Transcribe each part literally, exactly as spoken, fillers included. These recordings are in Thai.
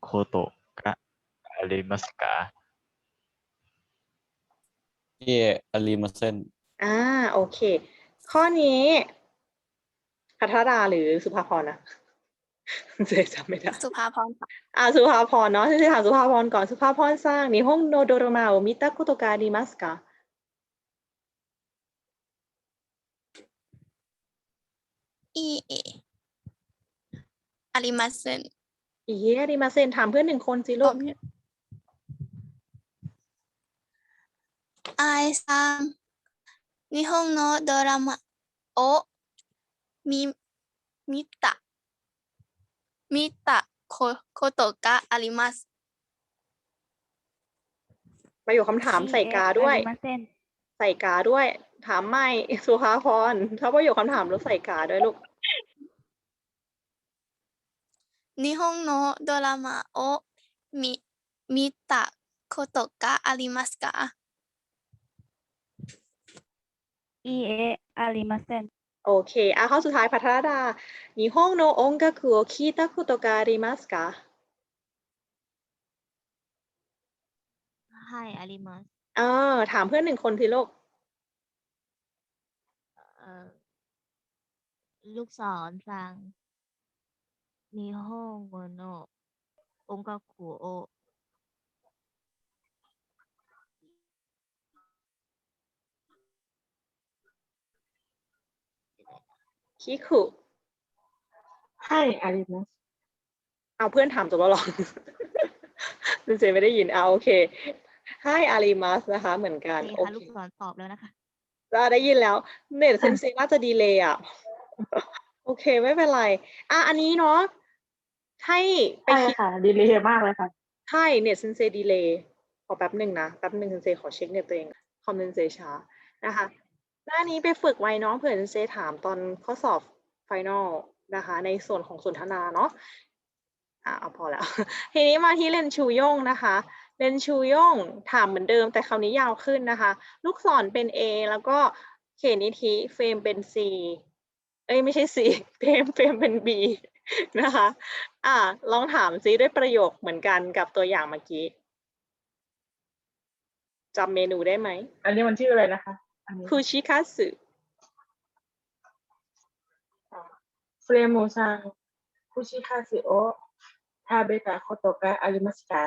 ことがありますかいえありませんอ่าโอเค ข้อนี้พัทรดาหรือสุภาพรนะเจ๊จำไม่ได้สุภาพรค่ะอ่าสุภาพรเนาะจะถามสุภาพรก่อนสุภาพรสร้างนิฮงโนโดโรมาโอมิตะคุโตกาดิมัสกะอีเออาริมาเซนอีเยอาริมาเซนถามเพื่อนหนึ่งคนสิลูกไอซังนิฮงโนโดรามาโอมิมิตะมิตะโคโคโตกะอาริมัสประโยคคำถามใส่กาด้วย ใส่กาด้วย ถามไม่สุภาพรถ้าประโยคคำถามแล้วใส่กาด้วยลูกนิฮงโนโดรามาโอมิมิตะโคโตกะอาริมัสกะいいえ、ありません。 โอเคอ่ะข้อสุดท้ายพัทรดา日本の音楽を聞いたことがありますかはい、あります。 เออถามเพื่อนหนึ่งคนสิลูกเอ่อลูกศรสั่ง日本語の音楽をคิคุให้อาริมัสเอาเพื่อนถามจบแล้วหรอ เจไม่ได้ยินเอาโอเคให้อาริมัสนะคะ เหมือนกันโอโอเคค่ะเคลูกศรตอบแล้วนะคะเราได้ยินแล้วเน็ตเซนเซน่าจะดีเลย์อ่ะ โอเคไม่เป็นไร อ่ะอันนี้เนาะให้ไปใช่คิดค่ะ ดีเลยมากเลยค่ะใช่เน็ตเซนเซดีเลย์ขอแป๊บหนึ่งนะแป๊บหนึ่งเซนเซขอเช็คเน็ตตัวเองคอมเซนเซช้านะคะหน้านี้ไปฝึกไว้เนาะเผื่อเซนเซถามตอนข้อสอบไฟนอลนะคะ ในส่วนของสนทนาเนาะอ่ะเอาพอแล้ว ทีนี้มาที่เลนชูย่งนะคะเลนชูย่งถามเหมือนเดิมแต่คราวนี้ยาวขึ้นนะคะ ลูกศรเป็น A แล้วก็เขตนิธิเฟรมเป็น C เอ้ยไม่ใช่ C เฟรมเฟรมเป็น B นะคะ อ่าลองถามซิด้วยประโยคเหมือนกันกับตัวอย่างเมื่อกี้จำเมนูได้ไหมอันนี้มันชื่ออะไรนะคะ อันนี้คุชิคัตสึเฟรมูซังคุชิคาซิโอทาเบตะโคโตกะอาริมัสกะ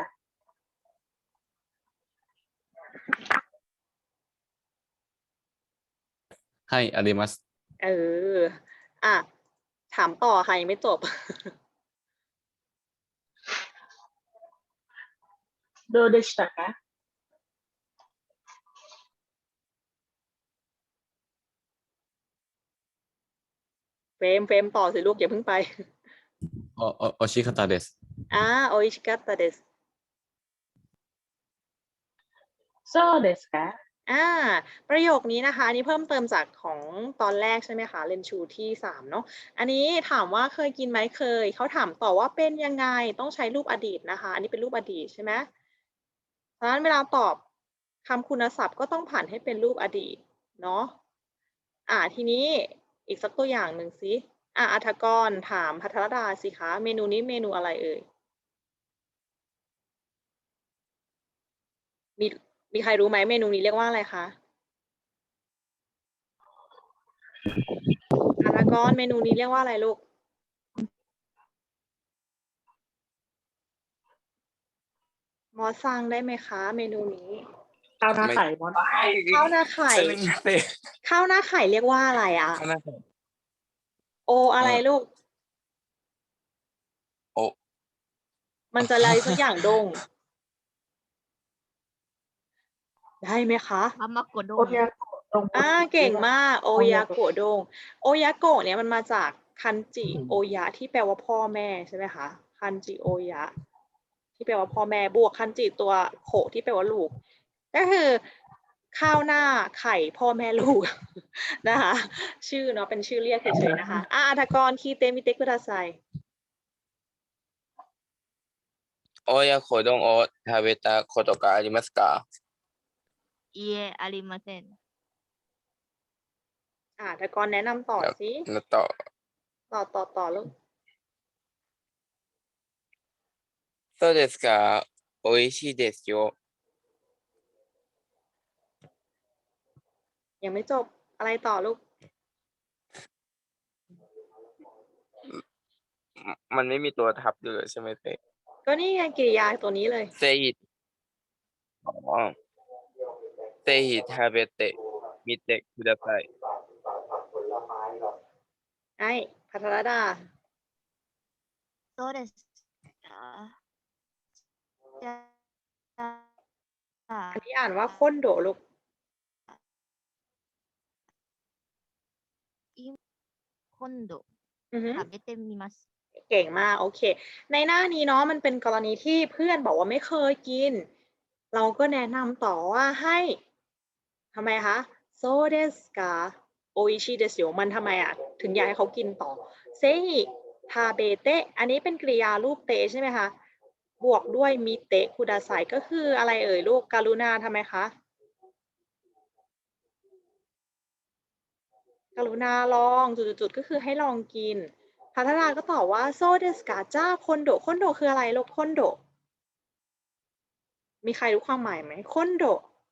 ให้อาริมัสเออ อ่ะ ถามต่อค่ะยังไม่จบโดเดชิตะกะเฟรมเฟรมต่อสิลูกอย่าเพิ่งไปโอโอโอชิคาตาเดสอ่าโออิชิกัตเดสโซเดสกะอ่า ประโยคนี้นะคะ อันนี้เพิ่มเติมจากของตอนแรกใช่ไหมคะเรนชูที่สามเนาะ อันนี้ถามว่าเคยกินไหมเคย เขาถามต่อว่าเป็นยังไง ต้องใช้รูปอดีตนะคะ อันนี้เป็นรูปอดีตใช่ไหมเพราะฉะนั้นเวลาตอบคำคุณศัพท์ก็ต้องผ่านให้เป็นรูปอดีตเนาะ อ่า ทีนี้อีกสักตัวอย่างหนึ่งสิ อ่าอัฐกรถามภัทรดาสิคะ เมนูนี้เมนูอะไรเอ่ย มีมีใครรู้ไหมเมนูนี้เรียกว่าอะไรคะอัฐกรเมนูนี้เรียกว่าอะไรลูก มอสซังได้ไหมคะ เมนูนี้ข้าวหน้าไข่มอนข้าวหน้าไข่ ข้าวหน้าไข่เรียกว่าอะไรอ่ะข้าวหน้าไข่โออะไรลูกโอมันจะอะไรสักอย่างดง ได้ไหมคะทามากโดโอเทียโกะตรงบนอ่าเก่งมาก โอยาโกะดง โอยาโกะเนี่ยมันมาจากคันจิโอยะที่แปลว่าพ่อแม่ใช่ไหมคะ คันจิโอยะ ที่แปลว่าพ่อแม่บวกคันจิตัวโขที่แปลว่าลูก ก็คือข้าวหน้าไข่พ่อแม่ลูก นะคะ ชื่อเนาะเป็นชื่อเรียกเฉยๆนะคะอ่าอัฐกรคีเตมิเตกุดาไซโอยาโคดงโอทาเบตะโคโตกะอาริมัสกะいいえ、ありません。 อ่าอัฐกรแนะนำต่อสิแล้วต่อต่อต่อต่อลูกそうですか。美味しいですよ。 ยังไม่จบอะไรต่อลูกมันไม่มีตัวทับอยู่เลยใช่ไหมเต้ก็นี่ไงกริยาตัวนี้เลยเซฮิอ๋อเซฮิทาเบเตะมิเตะคุดาไซไอ้พัทรดาそうですか。じゃあอันนี้อ่านว่าค้นโดลูก今度อือฮึ食べてみます。 เก่งมากโอเค ในหน้านี้เนาะมันเป็นกรณีที่เพื่อนบอกว่าไม่เคยกิน เราก็แนะนำต่อว่าให้ทำไมคะโซเดสกาโออิชิเดสโยมันทำไมอ่ะ ถึงอยากให้เขากินต่อเซฮิทาเบเตะอันนี้เป็นกริยารูปเตะใช่ไหมคะ บวกด้วยมิเตะคุดาไซก็คืออะไรเอ่ยลูกการุณาทำไมคะกรุณาลองจุดๆๆก็คือให้ลองกินพัฒนาก็ตอบว่าโซเดสกาจ้าคอนโดคอนโดคืออะไรลูกคอนโดมีใครรู้ความหมายไหมคอนโด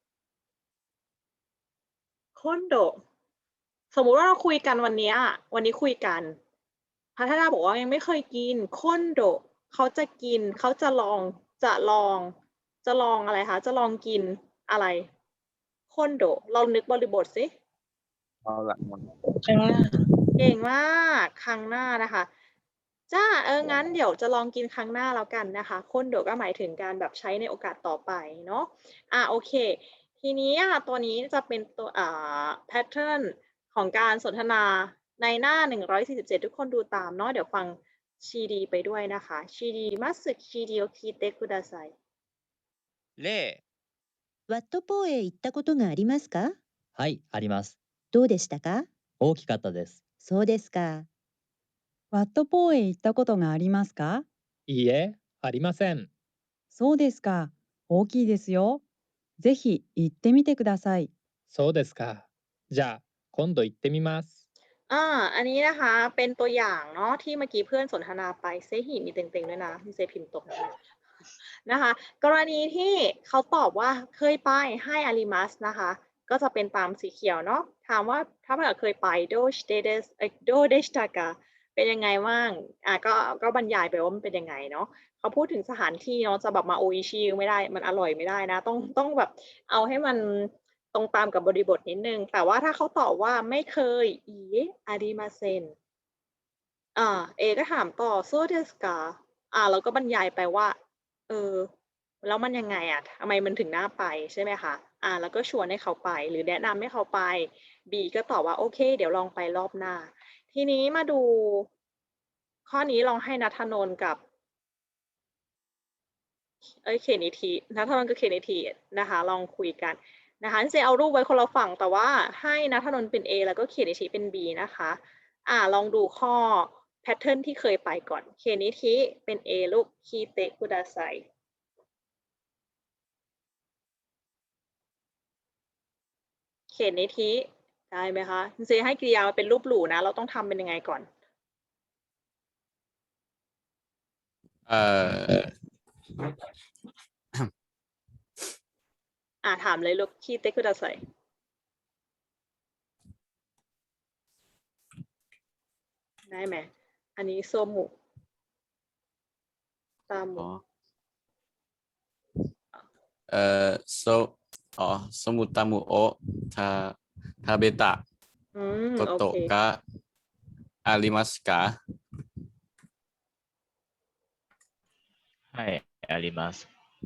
คอนโดสมมุติว่าเราคุยกันวันนี้อะวันนี้คุยกันพัฒนาบอกว่ายังไม่เคยกินคอนโดเขาจะกินเขาจะลองจะลอง จะลองอะไรคะจะลองกินอะไรคอนโดเรานึกบริบทสิเอาละครั้งหน้าเก่งมากครั้งหน้านะคะจ้าเอองั้นเดี๋ยวจะลองกินครั้งหน้าแล้วกันนะคะคนเดี๋ยวก็หมายถึงการแบบใช้ในโอกาสต่อไปเนาะอ่ะโอเค ทีนี้อ่ะตัวนี้จะเป็นตัวอ่า pattern ของการสนทนาในหน้าหนึ่งร้อยสี่สิบเจ็ดทุกคนดูตามเนาะเดี๋ยวฟังชีดีไปด้วยนะคะชีดีมัสชีดีโอคิเตคุดาไซ例、 ワットポーへ行ったことがありますか？ はい、あります。 どうでしたか？ 大きかったです。 そうですか。 ワットポーへ行ったことがありますか？ いいえ、ありません。 そうですか。大きいですよ。ぜひ行ってみてください。 そうですか。じゃあ、今度行ってみます。 อ่าอันนี้นะคะเป็นตัวอย่างเนาะที่เมื่อกี้เพื่อนสนทนาไปเซฮิมีเต็งๆด้วยนะมีเซพิมพ์ตกนะคะนะคะกรณีที่เขาตอบว่าเคยไปให้อาริมัสนะคะก็จะเป็นตามสีเขียวเนาะถามว่าถ้าเผื่อเคยไปโดชเดเดสโดเดชตากาเป็นยังไงบ้างอ่ะก็ก็บรรยายไปว่ามันเป็นยังไงเนาะเขาพูดถึงสถานที่เนาะจะแบบมาโออิชิไม่ได้มันอร่อยไม่ได้นะต้องต้องแบบเอาให้มันตรงตามกับบริบทนิดนึงแต่ว่าถ้าเขาตอบว่าไม่เคยอีอาริมาเซนอ่าเอก็ถามต่อโซเดสกาอ่าเราก็บรรยายไปว่าเออแล้วมันยังไงอ่ะทำไมมันถึงน่าไปใช่ไหมคะอ่าแล้วก็ชวนให้เขาไปหรือแนะนำให้เขาไป B ก็ตอบว่าโอเคเดี๋ยวลองไปรอบหน้าทีนี้มาดูข้อนี้ลองให้ณัฐนนท์กับเอ้ยเคนิทีณัฐนนท์กับเคนิทีนะคะลองคุยกันนะคะเซเอารูปไว้คนละฝั่งแต่ว่าให้ณัฐนนท์เป็น A แล้วก็เคนิทีเป็น B นะคะอ่าลองดูข้อแพทเทิร์นที่เคยไปก่อนเคนิทีเป็น A ลูกคีเตคุดาไซเขียนในทีได้ไหมคะเซให้กริยาเป็นรูปหลู่นะเราต้องทำเป็นยังไงก่อนเอ่ออ่าถามเลยลูกคีเตคุดาไซได้ไหมอันนี้โซมุตามุอ๋อเอ่อโซอ๋อสมุตามุโอะทาทาเบตะอืมโกโอโตะเคกะอาริมัสกะはい、あります。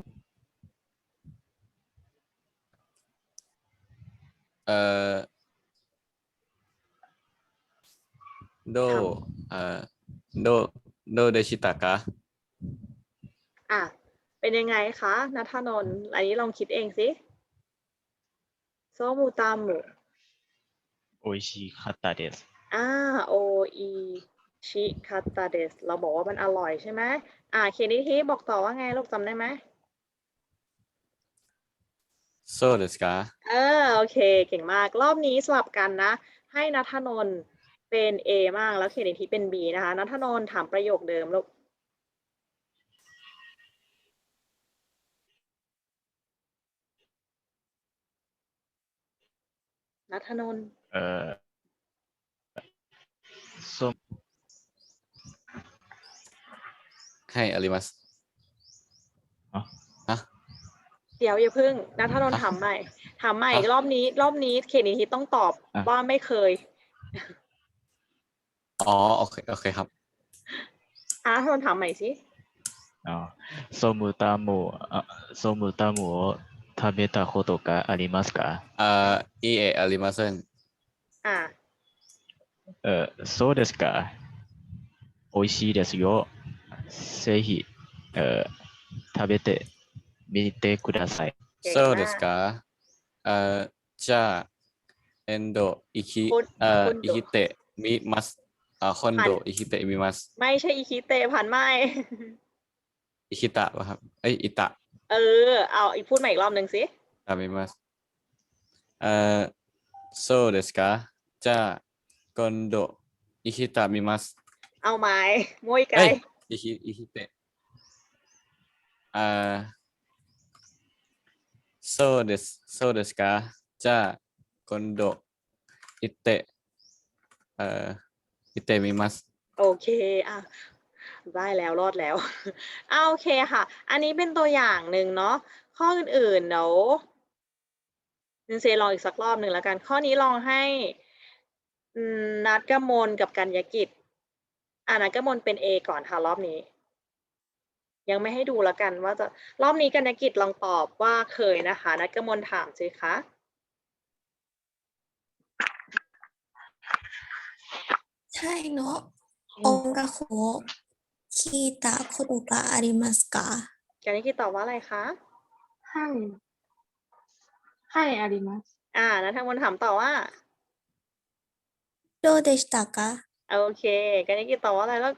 เอ่อโดเอ่อโดโดเดชิตะกะอ่ะเป็นยังไงคะณัฐนนท์อันนี้ลองคิดเองสิโซมุตามุ美味しかったです。 อ่าโออิชิคาตาเดสเราบอกว่ามันอร่อยใช่ไหมอ่าเคนิทีบอกต่อว่าไงลูกจำได้ไหมโซเดสกะเออโอเคเก่งมากรอบนี้สลับกันนะให้ณัฐนนท์เป็น A มากแล้วเคนิทีเป็น B นะคะณัฐนนท์ถามประโยคเดิมลูกณัฐนนท์เอ่อส้มให้อาริมัสอ๋อฮะเดี๋ยวอย่าเพิ่งณัฐนนท์ฮะถามใหม่ถามใหม่ฮะรอบนี้ รอบนี้เขตนิธิต้องตอบอ่ะว่าไม่เคยอ๋อโอเคโอเคครับอ่ะณัฐนนท์ถามใหม่สิอ๋อソムタムあソムタムを食べたことがありますか？ เอ่ออีเออาริมัสเซนอ่ะเอ่อそうですか。美味しいですよ。ぜひเอ่อ食べてみてください。 เก่งโซเดมาสกกาเอ่อจ้าเอนโดอิคิคนเอ่อคนโดอิคิเตะมิมัสอ่าคอนโดพันอิคิเตะมิมัสไม่ใช่อิคิเตะผ่านไม่อิคิตะป่ะครับเอ้ยอิตะเออ เอาอีกพูดใหม่อีกรอบหนึ่งสิตามิมัสเอ่อโซเดสกาจ้าคอนโดอิคิตะมิมัสเอาไม้มวยไกเอ้ยอิคิอิคิเตะอ่าโซเดสโซเดสกาจ้าคอนโดอิเตะเอ่ออิเตะมิมัสโอเค อ่ะ ได้แล้วรอดแล้ว อ่ะโอเคค่ะ อันนี้เป็นตัวอย่างหนึ่งเนาะ ข้ออื่นๆเดี๋ยวนินเซลองอีกสักรอบหนึ่งแล้วกัน ข้อนี้ลองให้อืมนัดกมลกับกัญญกิจ อ่านัดกมลเป็น A ก่อนค่ะรอบนี้ ยังไม่ให้ดูแล้วกันว่าจะ รอบนี้กัญญกิจลองตอบว่าเคยนะคะ นัดกมลถามสิคะใช่เนาะองกะโคคีตะโคโตกะอาริมัสกากัญญกิจตอบว่าอะไรคะให้ให้อาริมัสอ่านัดกมลถามต่อว่าโดเดชิตะกะโอเคกัญญกิจตอบว่าอะไรแล้ว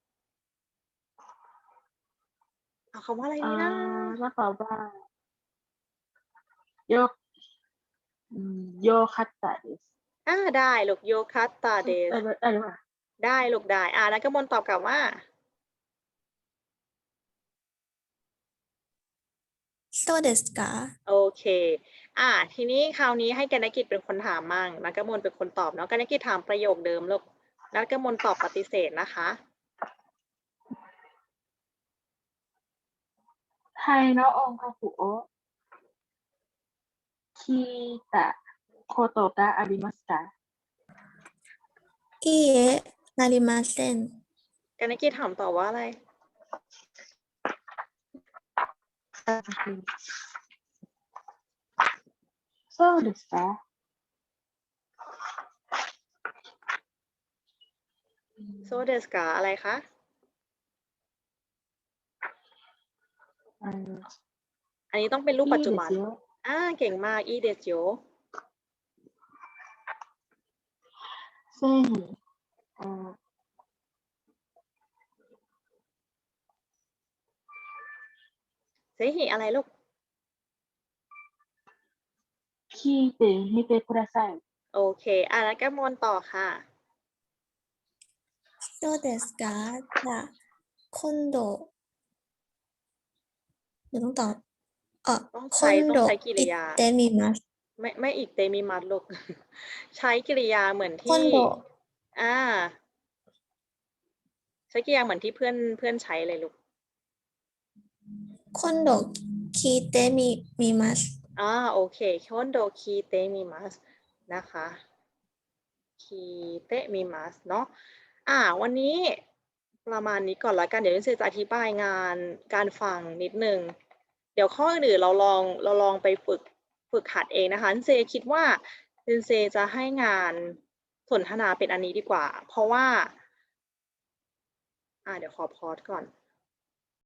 เอาคำว่าอะไรอ่าดีนะแล้วตอบว่าโยอืมโยคัตตะเดสอ่าได้ลูกโยคัตตาเดสเออเออว่าได้ลูกได้ อ่านักกมลตอบกลับว่าโซเดสกาโอเค อ่า ทีนี้คราวนี้ให้กัญญกิจเป็นคนถามมั่งนักกมลเป็นคนตอบเนาะกัญญกิจถามประโยคเดิมลูกนักกมลตอบปฏิเสธนะคะให้เนาะองกะคุโอะคีตะโคโตกะอาริมัสกาอีเอะนาริมาเซนกัญญกิจถามต่อว่าอะไรそうですかโซเดสกาอะไรคะเอออันนี้ต้องเป็นรูปปัจจุบันいいですよอ่า เก่งมากอีเดสโยぜひเอ่อเซฮิอะไรลูก聞いてみてくださいโอเค อ่านักกมลต่อค่ะโซเดสกาจะคอนโดเดี๋ยวต้องตอบเออต้องคใช้อนต้อโดงใช้กิริอิยาเตมิมัสไม่ไม่อีกเตมีมัดลูก ใช้กริยาเหมือนคอนที่โดอ่า ใช้กริยาเหมือนที่เพื่อนเพื่อนใช้เลยลูกคอนโดคีเตมิมิมัสอ่าโอเคคอนโดคีเตมิมัสนะคะคีเตมิมัสเนาะอ่าวันนี้ประมาณนี้ก่อนละกันเดี๋ยวนิเซจะอธิบายงานการฟังนิดนึง เดี๋ยวข้ออื่นเราลองเราลองไปฝึกฝึกหัดเองนะคะนิเซคิดว่านิเซจะให้งานสนทนาเป็นอันนี้ดีกว่า เพราะว่าอ่าเดี๋ยวขอพอสก่อน